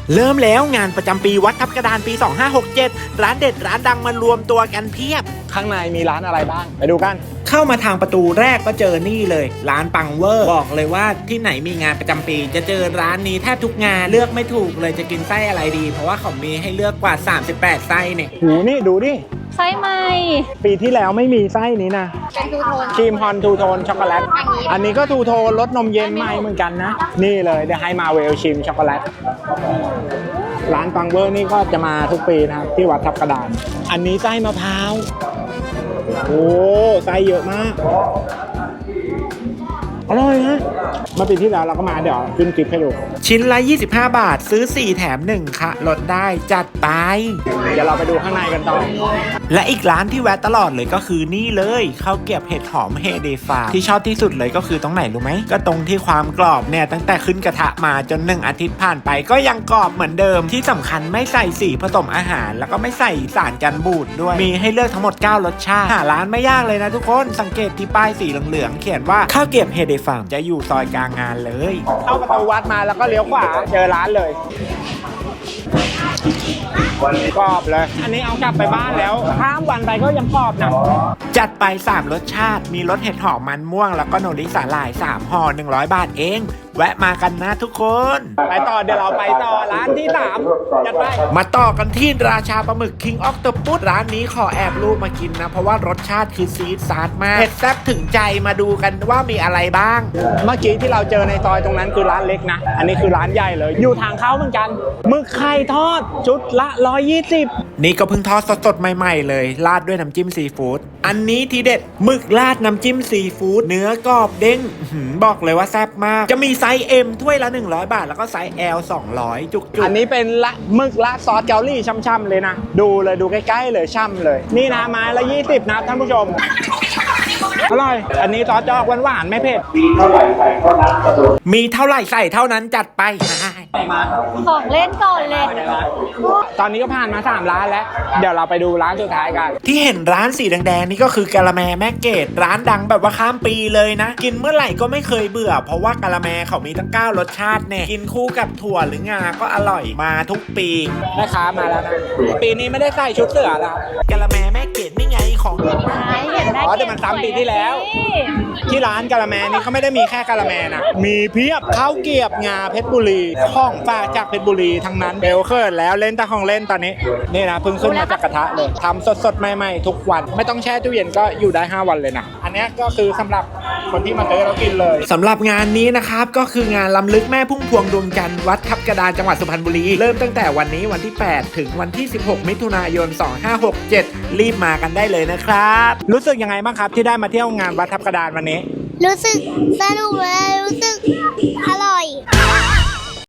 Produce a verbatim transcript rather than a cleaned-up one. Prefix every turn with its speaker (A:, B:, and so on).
A: เริ่มแล้วงานประจำปีวัดทับกระดานปีสองห้าหกเจ็ดร้านเด็ดร้านดังมารวมตัวกันเพียบ
B: ข้างในมีร้านอะไรบ้างไปดูกัน
A: เข้ามาทางประตูแรกก็เจอนี่เลยร้านปังเวอร์บอกเลยว่าที่ไหนมีงานประจำปีจะเจอร้านนี้แทบทุกงานเลือกไม่ถูกเลยจะกินไส้อะไรดีเพราะว่าเขามีให้เลือกกว่าสามสิบแปดไส้เนี่ย
B: หูนี่ดูดิ
C: ไส้ไหม
B: ปีที่แล้วไม่มีไส้นี้นะ
C: เป็นทูโทน
B: ครีมฮอนทูโทนช็อกโกแลตอันนี้ก็ทูโทนรสนมเย็นใหม่เหมือนกันนะนี่เลยเดี๋ยวให้มาเวลชิมช็อกโกแลตร้านปังเวอร์นี่ก็จะมาทุกปีนะครับที่วัดทับกระดานอันนี้ไส้มะพร้าวโอ้ไส้เยอะมากอร่อยนะเมื่อปีที่แล้วเราก็มาเดี๋ยวขึ้นคลิปให้ดู
A: ชิ้นละยี่สิบห้าบาทซื้อสี่แถมหนึ่งค่ะลดได้จัดไป
B: เดี๋ยวเราไปดูข้างในกันต่อ
A: และอีกร้านที่แวะตลอดเลยก็คือนี่เลยข้าวเกรี๊ยวเห็ดหอมเฮเดฟาที่ชอบที่สุดเลยก็คือตรงไหนรู้ไหมก็ตรงที่ความกรอบเนี่ยตั้งแต่ขึ้นกระทะมาจนหนึ่งอาทิตย์ผ่านไปก็ยังกรอบเหมือนเดิมที่สำคัญไม่ใส่สีผสมอาหารแล้วก็ไม่ใส่สารกันบูดด้วยมีให้เลือกทั้งหมดเก้ารสชาติหาร้านไม่ยากเลยนะทุกคนสังเกตที่ป้ายสีเหลืองๆเขียนว่าข้าวเกรี๊ยวเฮเดฟาจะอยู่ซอยกลางงานเลย
B: เข้าประตูวัดมาแล้วก็เลี้ยวขวาเจอร้านเลยกรอบเลยอันนี้เอากลับไปบ้านแล้วข้ามวันไปก็ยังกรอบนะ
A: จัดไปสามรสชาติมีรสเห็ดหอมมันม่วงแล้วก็โนริสาหร่ายสามห่อหนึ่งร้อยบาทเองแวะมากันนะทุกคน
B: ไปต่อเดี๋ยวเราไปต่อร้านที่สามจัดไป
A: มาต่อกันที่ราชาปลาหมึก King Octopus ร้านนี้ขอแอบรูปมากินนะเพราะว่ารสชาติคือซีดซาร์มากเผ็ดแซ่บถึงใจมาดูกันว่ามีอะไรบ้าง
B: เมื่อกี้ที่เราเจอในซอยตรงนั้นคือร้านเล็กนะอันนี้คือร้านใหญ่เลยอยู่ทางเข้าเหมือนกันหมึกไข่ทอดชุดละหนึ่งร้อยยี่สิบ
A: นี่ก็เพิ่งทอดสดๆใหม่ๆเลยราดด้วยน้ำจิ้มซีฟู้ดอันนี้ทีเด็ดหมึกราดน้ำจิ้มซีฟู้ดเนื้อกรอบเด้งบอกเลยว่าแซ่บมากจะมีไซส์ M ถ้วยละหนึ่งร้อยบาทแล้วก็ไซส์ L สองร้อยจุกๆ
B: อันนี้เป็นละหมึกราดซอสเกาหลีช่ำๆเลยนะดูเลยดูใกล้ๆเลยช่ำเลยนี่นะไม้ละยี่สิบนะท่านผู้ชมอร่อยอันนี้ซอสจอกหวานๆไม่เผ็ด
A: มีเท่าไหร่ใส่เท่านั้นมีเท่าไหร่ใส่เท่านั้นจัดไป
B: มา
C: ของเล่นก่อนเลย
B: ตอนนี้ก็ผ่านมาสามร้านแล้วเดี๋ยวเราไปดูร้านสุดท้ายกัน
A: ที่เห็นร้านสีแดงๆนี่ก็คือกะละแมแม่เกดร้านดังแบบว่าข้ามปีเลยนะกินเมื่อไหร่ก็ไม่เคยเบื่อเพราะว่ากะละแมเขามีตั้งเก้ารสชาติเนี่ยกินคู่กับถั่วหรืองาก็อร่อยมาทุกปี
B: แม่ค้ามาแล้วนะปีนี้ไม่ได้ใส่ชุดเสือแล้ว
A: กะละแมแม่เกดนี่ไงของ
B: อ๋อแต่มันซ้ำปีที่แล้วที่ร้านกะละแมนี่เขาไม่ได้มีแค่กะละแมนะมีเพียบข้าวเกรี๊ยวงาเพชรบุรีของฝากจากเพชรบุรีทั้งนั้นเบลเคิร์ดแล้วเล่นตะของเล่นตอนนี้นี่นะเพิ่งขึ้นมาจากกระทะเลยทำสดๆใหม่ๆทุกวันไม่ต้องแช่ตู้เย็นก็อยู่ได้ห้าวันเลยนะอันนี้ก็คือสำหรับคนที่มาซื้อแล้วกินเลย
A: สำหรับงานนี้นะครับก็คืองานล้ำลึกแม่พุ่มพวงดวงจันทร์วัดทับกระดานจังหวัดสุพรรณบุรีเริ่มตั้งแต่วันนี้วันที่แปดถึงวันที่สิบหกมิถุนายนสองห้าหกเจ็ดรีบมากันได้เลยนะครับ
B: รู้สึกยังไงบ้างครับที่ได้มาเที่ยวงานวัดทับกระดานวันนี้
D: รู้สึกสนุกเลยรู้สึกอร่อย